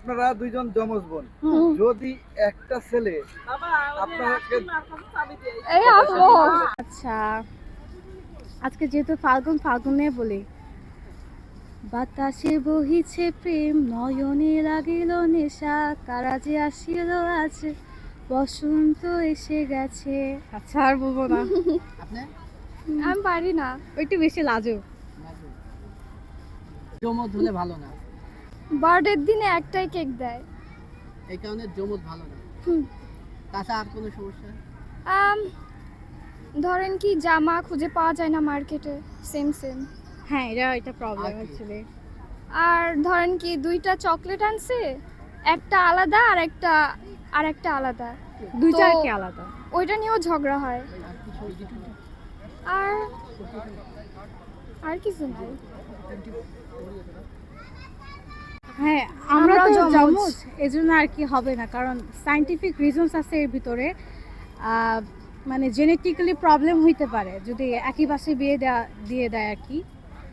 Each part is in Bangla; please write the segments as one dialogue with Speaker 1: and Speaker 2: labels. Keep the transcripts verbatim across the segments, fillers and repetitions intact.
Speaker 1: আপনারা দুইজন যমজ বোন, যদি একটা ছেলে আপনাকে
Speaker 2: এই আসো। আচ্ছা, আজকে যেহেতু ফাল্গুন, ফাল্গুনে বলি বাতাসে বহিছে প্রেম, নয়নে লাগিল নেশা, কারা যে আসিল আজ, বসন্ত এসে গেছে। আচ্ছা আর বলবো না।
Speaker 3: আপনি
Speaker 2: আমি পারি না, একটু বেশি লাজুক।
Speaker 3: জমজ হলে ভালো না,
Speaker 2: বার্থডের দিনে একটাই কেক দেয়।
Speaker 3: এই কারণে জমজ ভালো না।
Speaker 2: হুম।
Speaker 3: তাছাড়া আর কোনো সমস্যা?
Speaker 2: আম, ধরেন কি জামা খুঁজে পাওয়া যায় না মার্কেটে, সেম সেম। হ্যাঁ, এটা এটা প্রবলেম
Speaker 3: আর কি?
Speaker 2: অ্যাকচুয়ালি। আর ধরেন কি দুইটা চকলেট আনছে, একটা আলাদা আর একটা আর একটা আলাদা, দুইটা
Speaker 4: তো-
Speaker 2: কি আলাদা, ওইটা নিয়েও ঝগড়া হয়।
Speaker 3: আর কিছু
Speaker 2: আর আর কিছু নাই।
Speaker 4: হ্যাঁ, আমরা
Speaker 2: আমরাও
Speaker 4: তো
Speaker 2: যমজ।
Speaker 4: যমজ, এজন্য আর কি হবে না, কারণ সায়েন্টিফিক রিজনস আছে এর ভিতরে। আহ, মানে জেনেটিক্যালি প্রবলেম হইতে পারে যদি একই বাসে বিয়ে দেয়া দিয়ে দেয় আর কি।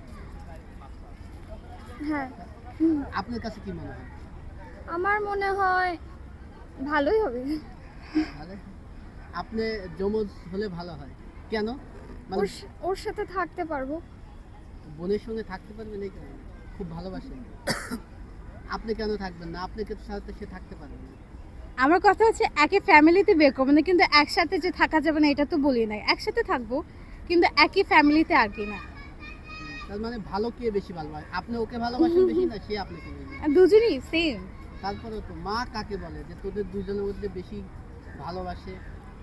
Speaker 2: হ্যাঁ,
Speaker 3: আপনার কাছে কি মনে হয়?
Speaker 2: আমার মনে হয় ভালোই হবে।
Speaker 3: ভালো? আপনি জমজ হলে ভালো হয় কেন? মানে
Speaker 2: ওর স- ওর সাথে থাকতে পারবো।
Speaker 3: বোনের সঙ্গে থাকতে পারবেন এই কারণে? খুব ভালোবাসেন? আপনি কেন থাকবেন না? আপনাকে সাথে সে থাকতে পারবে না।
Speaker 4: আমার কথা হচ্ছে একে ফ্যামিলিতে বিয়ে করবো না, কিন্তু একসাথে যে থাকা যাবে না এটা তো বলি নাই। একসাথে থাকবো কিন্তু একই ফ্যামিলিতে আর কি না।
Speaker 3: তার মানে ভালো কে বেশি ভালোবাসে? আপনি ওকে ভালোবাসেন বেশি না সে আপনাকে বেশি?
Speaker 4: আর দুজনই সেম।
Speaker 3: তারপরে তো মা কাকে বলে যে তোদের দুজনের মধ্যে বেশি ভালোবাসে?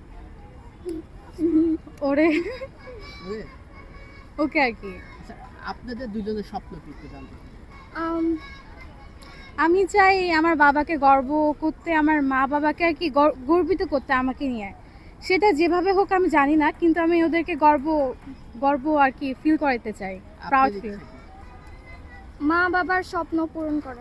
Speaker 4: ওরে
Speaker 3: বুঝলে?
Speaker 4: ওকে আর কি।
Speaker 3: আচ্ছা, আপনাদের দুজনের স্বপ্ন কি একটু জানতে চাই।
Speaker 2: আম,
Speaker 4: আমি চাই আমার বাবাকে গর্ব করতে, আমার মা বাবাকে আর কি গর- গর্বিত করতে আমাকে নিয়ে। সেটা যেভাবে হোক আমি জানি না, কিন্তু আমি ওদেরকে গর্ব গর্ব আর কি ফিল করাতে চাই, প্রাউড
Speaker 3: আপনার
Speaker 4: ফিল।
Speaker 3: ইচ্ছা কি?
Speaker 2: মা বাবার স্বপ্ন পূরণ করা।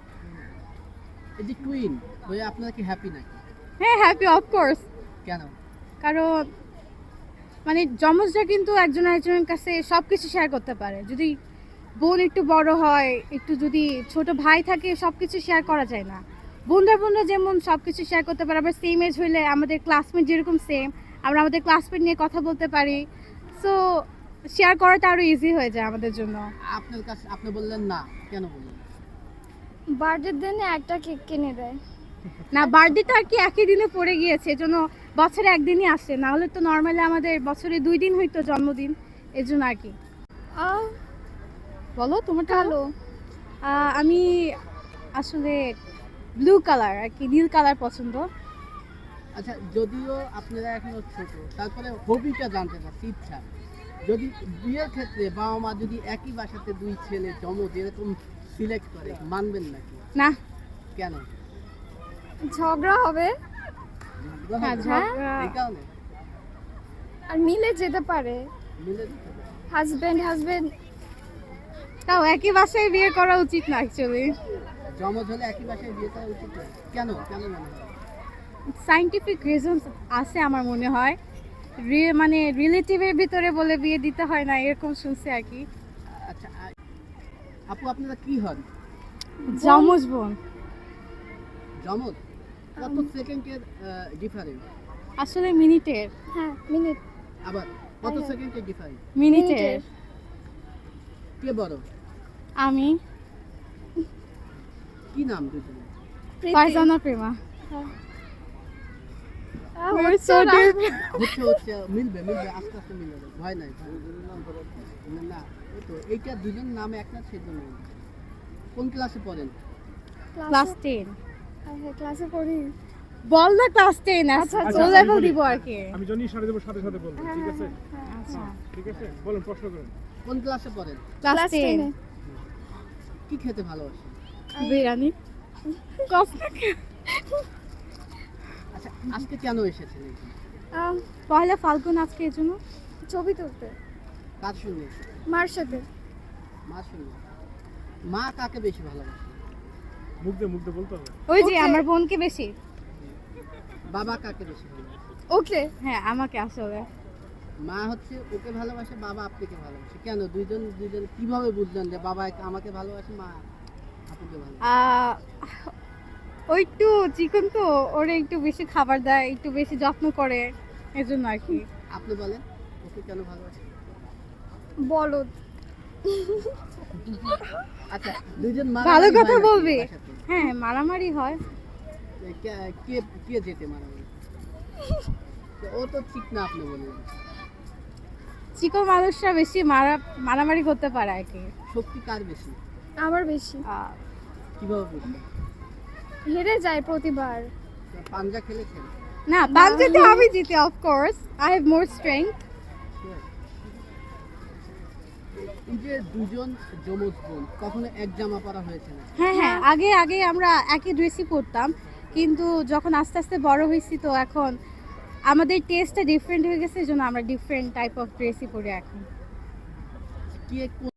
Speaker 3: এই যে টুইন হয়ে আপনারা কি হ্যাপি নাকি?
Speaker 4: হ্যাঁ, হ্যাপি অফকোর্স।
Speaker 3: কেন?
Speaker 4: কারণ মানে যমজরা কিন্তু একজন একজনের কাছে সব কিছু শেয়ার করতে পারে। যদি বোন একটু বড় হয়, একটু যদি ছোট ভাই থাকে, সব কিছু শেয়ার করা যায় না। বোনরা বোনরা যেমন সব কিছু শেয়ার করতে পারে, আবার সেম এজ হইলে আমাদের ক্লাসমেট যেরকম সেম, আমরা আমাদের ক্লাসমেট নিয়ে কথা বলতে পারি। সো শেয়ার করাটা আরও ইজি হয়ে যায় আমাদের জন্য।
Speaker 3: আপনার কাছে আপনি বললেন না, কেন বললেন?
Speaker 2: বার্থডের দিনে একটা কেক কিনে দেয়।
Speaker 4: না, বার্থডেটা আর কি একই দিনে পড়ে গিয়েছে, এজন্য বছরে একদিনই আসে, না হলে তো নর্মালি আমাদের বছরে দুই দিন হইতো জন্মদিন, এর জন্য আর কি।
Speaker 2: আহ,
Speaker 4: বলো তোমার
Speaker 2: কালো।
Speaker 4: আহ, আমি আসলে ব্লু কালার আর কি, নীল কালার পছন্দ।
Speaker 3: আচ্ছা, যদিও আপনারা এখনো ছোট, তারপরে হবিটা জানতে চাচ্ছি, ইচ্ছা। যদি বিয়ের ক্ষেত্রে বাবা মা যদি একই বাসাতে দুই ছেলে জমজ এরকম সিলেক্ট করে, মানবেন নাকি?
Speaker 4: না,
Speaker 3: কেন?
Speaker 2: ঝগড়া হবে
Speaker 4: হ্যাঁ, ঝগড়া-
Speaker 3: এই কারণে
Speaker 2: আর মিলে যেতে পারে।
Speaker 3: মিলে যেতে হবে।
Speaker 2: হাজবেন্ড হাজবেন্ড
Speaker 4: তাও একই বাসায় বিয়ে করা উচিত না অ্যাকচুয়ালি।
Speaker 3: জমজ হলে একই বাসায় বিয়ে করা উচিত নয়। কেন কেন মনে হয়?
Speaker 4: সায়েন্টিফিক রিজনস আছে আমার মনে হয়। রি- মানে রিলেটিভের ভিতরে বলে বিয়ে দিতে হয় না, এরকম শুনছি আর কি।
Speaker 3: আচ্ছা, আ- আপু আপনারা কি হন?
Speaker 4: যমজ বোন।
Speaker 3: জমজ? কত সেকেন্ডের ডিফারেন্স?
Speaker 4: আসলে মিনিটের।
Speaker 2: হ্যাঁ, মিনিট।
Speaker 3: আবার কত
Speaker 2: আরে।
Speaker 3: সেকেন্ডের ডিফারেন্স?
Speaker 4: মিনিটের।
Speaker 3: কে বড়?
Speaker 4: আমি
Speaker 3: কি নাম দুজনে?
Speaker 4: ফারজানা প্রেমা।
Speaker 2: হ্যাঁ।
Speaker 4: We're so deep.
Speaker 3: হচ্ছে হচ্ছে মিলবে মিলবে আস্তে আস্তে মিলবে, ভয় নাই ভয় নাই। না এই তো এইটা দুজন নামে এক না, সেজন্য। কোন ক্লাসে পড়েন?
Speaker 4: Class ten.
Speaker 2: ক্লাসে পড়ি।
Speaker 4: বল না ক্লাস টেন।
Speaker 2: আচ্ছা,
Speaker 4: আচ্ছা,
Speaker 2: আচ্ছা,
Speaker 4: ও
Speaker 2: আমি
Speaker 4: লেভেল
Speaker 5: বলি।
Speaker 4: দিব আর কি।
Speaker 5: আমি জনি সাথে দেবো, সাথে সাথে বলবো,
Speaker 2: হ্যাঁ,
Speaker 5: ঠিক
Speaker 2: হ্যাঁ,
Speaker 5: আছে?
Speaker 2: হ্যাঁ।
Speaker 4: আচ্ছা,
Speaker 5: ঠিক আছে, বলুন, প্রশ্ন করুন।
Speaker 3: কোন ক্লাসে পড়েন?
Speaker 4: Class
Speaker 2: class
Speaker 4: ten.
Speaker 2: টেনে।
Speaker 3: কি খেতে ভালোবাসেন?
Speaker 4: বিরিয়ানি।
Speaker 3: আচ্ছা, আজকে কেন এসেছেন এখানে?
Speaker 2: আহ,
Speaker 4: পয়লা ফাল্গুন আজকে, এর জন্য।
Speaker 2: ছবি তুলতে
Speaker 3: কার সঙ্গে এসেছেন?
Speaker 2: মার সাথে।
Speaker 3: মার সঙ্গে। মা কাকে বেশি ভালোবাসে?
Speaker 5: মুখ দিয়ে মুখ দিয়ে বলতে হবে।
Speaker 4: ওই যে
Speaker 2: Okay.
Speaker 4: আমার বোনকে বেশি।
Speaker 3: বাবা কাকে বেশি ভালোবাসে?
Speaker 2: ওকে।
Speaker 4: হ্যাঁ, আমাকে আসলে
Speaker 3: মা হচ্ছে ওকে ভালোবাসে, বাবা আপনাকে ভালোবাসে। কেন দুইজন দুইজন কিভাবে বুঝলেন যে বাবা আমাকে ভালোবাসে, মা আপুকে ভালোবাসে?
Speaker 4: আহ, ওই একটু চিকন তো, ওরে একটু বেশি খাবার দেয়, একটু বেশি যত্ন করে, এজন্য আর কি।
Speaker 3: আপনি বলেন ওকে কেন ভালোবাসেন?
Speaker 2: বলো।
Speaker 3: আচ্ছা দুইজন
Speaker 4: ভালো
Speaker 3: মারামারি
Speaker 4: কথা
Speaker 3: হয় নাকি
Speaker 4: বলবি।
Speaker 3: বাসাতে?
Speaker 4: হ্যাঁ মারামারি হয়।
Speaker 3: কে- কে কে যেতে মারামারি? তো ও তো ঠিক না আপনি বললেন।
Speaker 4: চিকন মানুষরা বেশি মারা মারামারি করতে পারে আর কি।
Speaker 3: শক্তি কার বেশি?
Speaker 2: আমার বেশি।
Speaker 4: আহ,
Speaker 3: কিভাবে বুঝবেন?
Speaker 2: হেরে যায় প্রতিবার।
Speaker 3: পাঞ্জা খেলেছেন?
Speaker 4: না পাঞ্জাতে আমি জিতি of course, I have more strength.
Speaker 3: এই যে দুজন যমজ বোন কখনো এক জামা পরা হয়েছে না?
Speaker 4: হ্যাঁ হ্যাঁ আগে আগে আমরা একই ড্রেসই পরতাম, কিন্তু যখন আস্তে আস্তে বড় হয়েছি তো এখন আমাদের টেস্টটা ডিফারেন্ট হয়ে গেছে, এই জন্য আমরা ডিফারেন্ট টাইপ অফ ড্রেসই পরি এখন।
Speaker 3: কে কোন